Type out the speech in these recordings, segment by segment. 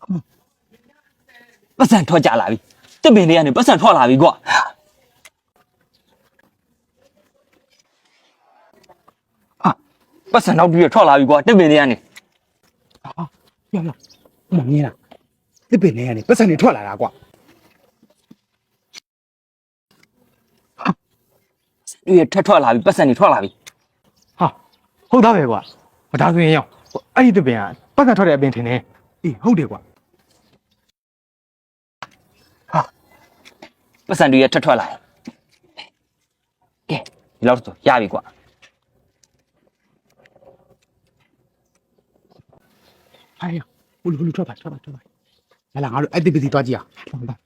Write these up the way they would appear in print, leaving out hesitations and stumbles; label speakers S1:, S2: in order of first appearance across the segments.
S1: ပတ်စံထွက်ကြလာပြီတစ်ပင်လေးကနေပတ်စံထွက်လာပြီကွာဟာပတ်စံနောက်ပြီးထွက်လာပြီကွာတစ်ပင်လေးကနေ
S2: ပြောမမြင်လားတစ်ပင်လေးကနေပတ်စံတွေထွက်လာတာကွာ
S1: တွေ့ရထွက်လာပြီပတ်စံတွေထွက်လာပြီ
S3: ဟာဟုတ်သားပဲကွာဒါဆိုရင်ရောက်အဲ့ဒီတပင်ကပတ်သက်ထွက်တဲ့အပင်ထင်တယ်
S2: အေးဟုတ်တယ်ကွာ
S1: ပတ်စံတွေရထွက်လာကဲဒီလောက်ဆိုရပြီကွာ
S2: ဟိုင်ဟိုလူထွက်ပါလာငါတို့အဲ့ဒီပစီသွားကြည့်အောင်လာ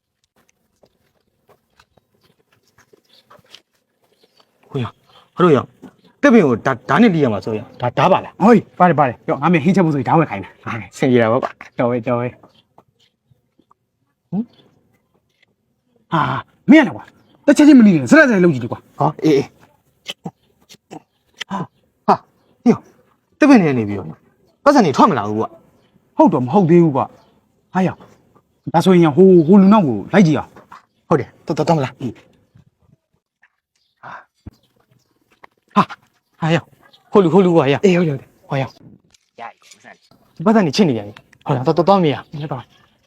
S3: ဟုတ်ရဟုတ်ရတပင်ကိုဒါနဲ့လီးရမှာဆိုရဒါပါလား
S2: ဟိုပါတယ်ပြောငါမင်းဟင်းချက်ဖို့ဆိုရင်ဓာတ်ဝက်ခိုင်းတာ
S3: ဆင်ကြတာပေါ့ကွာတော်ပဲ
S2: ဟာမင်းရလားကွာတစ်ချက်ချင်းမနေနဲ့စရက်စရက်လုံးကြည့်တယ်ကွာ
S3: ဟောအေးဟာညတပင်နဲ့နေပြီးတော့ပတ်စံနေထွက်မလာဘူးကွာ
S2: ဟုတ်တော့မဟုတ်သေးဘူးကွာဟာရဒါဆိုရင်ဟိုလူနောက်ကိုလိုက်ကြည့်အောင်
S3: ဟုတ်တယ်တော်မလားဟာရောက်ဟိုလူကွာရ
S2: အေးဟုတ်တယ်
S3: ဟောရောက်
S1: ရပြီပတ်စံ
S3: ပတ်စံနေချစ်နေပြန်ပြီဟုတ်လားတော်မရမင်းတော့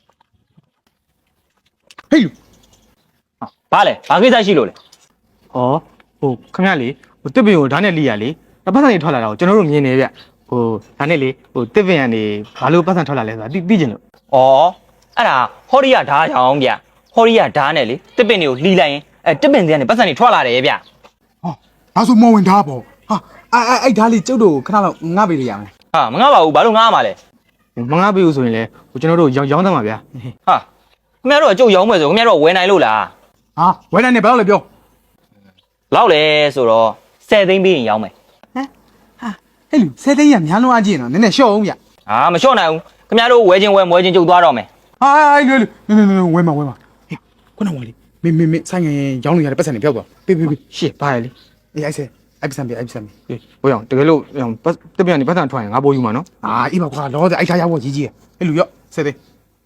S2: ဟေးလူ
S1: ဘာလဲဘာကိစ္စရှိလို့လဲ
S3: ဟောဟိုခမရလေဟိုတစ်ပင်ကိုဒါနဲ့လီးရလေပတ်စံနေထွက်လာတာကိုကျွန်တော်တို့မြင်နေဗျဟိုဒါနဲ့လေဟိုတစ်ပင်ကနေဘာလို့ပတ်စံထွက်လာလဲဆိုတာသိကျင်လို့
S1: ဩအဲ့ဒါဟောရီယာဓာတ်ကြောင်ဗျဟောရီယာဓာတ်နဲ့လေတစ်ပင်တွေကိုလှီလိုက်ရင်တစ်ပင်တွေကနေပတ်စံတွေထွက်လာတယ်ဗျ
S2: ဟောဒါဆိုမော်ဝင်ဓာတ်ပေါ့ဟာအဲ့ဓာတ်လေးကျုပ်တို့ခဏလောက်ငှပေးလိုက်ရမယ်
S1: ဟာမငါပါဘူးဘာလို့ငါမှာလဲ
S3: မငါပေးဘူးဆိုရင်လေဟိုကျွန်တော်တို့ရောင်းသားမှာဗျာ
S1: ဟာခင်ဗျားတို့ကကြုတ်ရောင်းမယ်ဆိုခင်ဗျားတို့ကဝယ်နိုင်လို့လား
S2: ဟာဝဲနိုင်နေဘယ်တော့လဲပြော
S1: လောက်လဲဆိုတော့10သိန်းပြီးရင်ရောင်းမယ်
S2: ဟာဟဲ့လူ10သိန်းရများလုံးအကြည့်နော်နည်းနည်းရှော့အောင်ဗျ
S1: ဟာမလျှော့နိုင်ဘူးခင်ဗျားတို့ဝယ်ချင်းဝယ်မွဲချင်းကြုတ်သွားတော့မယ်
S2: ဟာလူဝဲမှာဟေးခုနကလေမင်းဆိုင်ငယ်ရောင်းလို့ရတဲ့ပတ်စံတွေပြောက်သွားပေး
S3: ရှေ့ပါရလေ
S2: အေးအဲ့ပတ်စံပြ
S3: ဟေးဘိုးရောင်တကယ်လို့တစ်ပင်ကနေပတ်စံထွက်ရင်ငါပိုးယူမှာနော်
S2: ဟာအေးပါကွာလောတဲ့အဲ့ထားရဖို့ကြီးဟဲ့လူရော့10သိန်း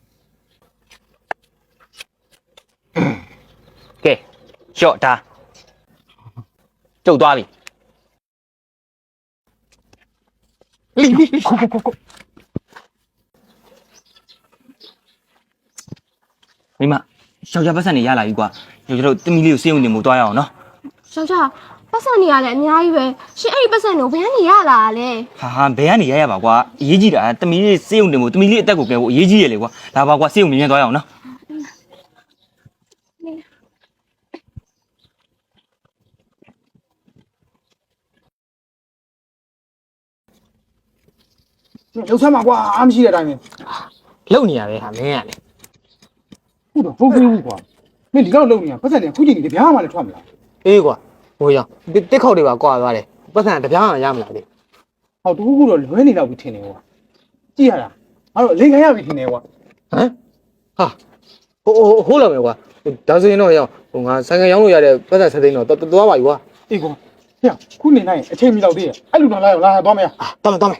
S1: ကဲလျှော့ဒါကြုတ်သွားပြီ
S2: လီကို
S1: မိမယောက်ျားပတ်စံတွေရလာပြီကွာကျွန်တော်တို့တမီလေးကိုစေးုံနေမှုသွားရအောင်နော်
S4: ယောက်ျားပတ်စံနေရလဲအများကြီးပဲရှင်အဲ့ဒီပတ်စံကိုဘယ်ကနေရလာလဲ
S1: ဟာဘယ်ကနေရပါကွာအရေးကြီးတာတမီလေးစေးုံနေမှုတမီလေးအသက်ကိုကဲဖို့အရေးကြီးရလေကွာဒါပါကွာစေးုံမြင်သွားရအောင်နော်
S2: လောက်ဆမ်းပါကွာအားမရှိတဲ့အတိုင်းပဲ
S3: လုံနေရပဲဟာမင်းကလေ
S2: ဟုတ်တော့ဟုတ်ပြီကွာမင်းဒီလောက်လုံနေရပတ်စံတွေခုချိန်ကြီးတပြားမှလည်းထွက်မလား
S3: အေးကွာဘိုးရောင်တစ်ခေါက်တွေပါကွာသွားတယ်ပတ်စံတပြားမှရမလားလေ
S2: ဟောတခုတော့လွဲနေတော့ပြီထင်တယ်ကွာကြည့်ရတာအဲ့တော့လိန်ခံရပြီထင်တယ်ကွာ
S3: ဟမ်ဟာဟိုးလာမယ်ကွာဒါဆိုရင်တော့ရောဟိုငါဆိုင်ကရောင်းလို့ရတဲ့ပတ်စံဆက်သိန်းတော့တော်ပါပြီကွာ
S2: အေးကွာဟဲ့ခုနေနိုင်အချိန်မီတော့သေးရဲ့အဲ့လူတော်လာရောလာသွားမယ်
S3: တော်မယ်ဟာဟဲ့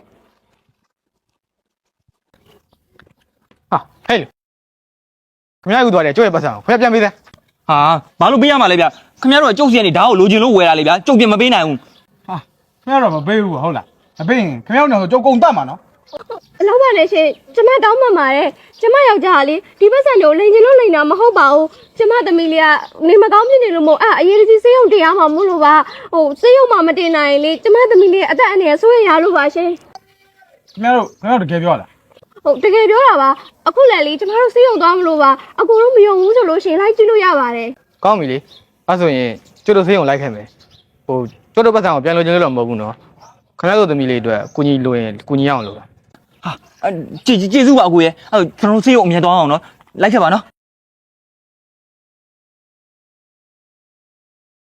S3: လေခမရကူသွားတယ်ကြွရဲ့ပတ်စံကိုခွဲပြန်ပေးစမ်း
S1: ဟာဘာလို့ပေးရမှာလဲဗျခင်ဗျားတို့ကကြုတ်စီကနေဓာတ်ကိုလိုချင်လို့ဝယ်တာလေဗျကြုတ်ပြင်မပေးနိုင်ဘူး
S2: ဟာခင်ဗျားတော့မပေးဘူးဟုတ်လားမပေးရင်ခင်ဗျားတို့တော့ကြုံကုန်တတ်မှာနော်
S4: အလောက်ပါလေရှင်ကျမတောင်းမှမှာတဲ့ကျမယောက်ျားကလေဒီပတ်စံကိုလိန်ချင်လို့လိန်တာမဟုတ်ပါဘူးကျမသမီးလေးကနေမကောင်းဖြစ်နေလို့မို့အရေးကြီးစေးရုံတရားမှာမို့လို့ပါဟိုစေးရုံမှာမတင်နိုင်လေကျမသမီးလေးအသက်အန္တရာယ်ဆိုးရရလို့ပါရှင်
S2: ခင်ဗျားတို့တကယ်ပြောလား
S4: ဟုတ်တကယ်ပြောတာပါအခုလည်းလေကျမတို့စေးရုံသွားမလို့ပါအကုန်လုံးမယုံဘူးဆိုလို့ရှင်လိုက်ကြည့်လို့ရပါတယ်
S3: ကောင်းပြီလေအဲ့ဆိုရင်ကျွတ်တို့ဆေးုံလိုက်ခဲ့မယ်ဟိုကျွတ်တို့ပတ်စံကိုပြန်လိုချင်လို့တော့မဟုတ်ဘူးနော်ခဏတို့သမီးလေးအတွက်ကုညီလိုရင်ကုညီရအောင်လို့လား
S1: ဟာကျေးဇူးပါအကိုရဲ့အဲ့ကျွန်တော်တို့စေးရုံအမြဲသွားအောင်နော်လိုက်ခဲ့ပါနော်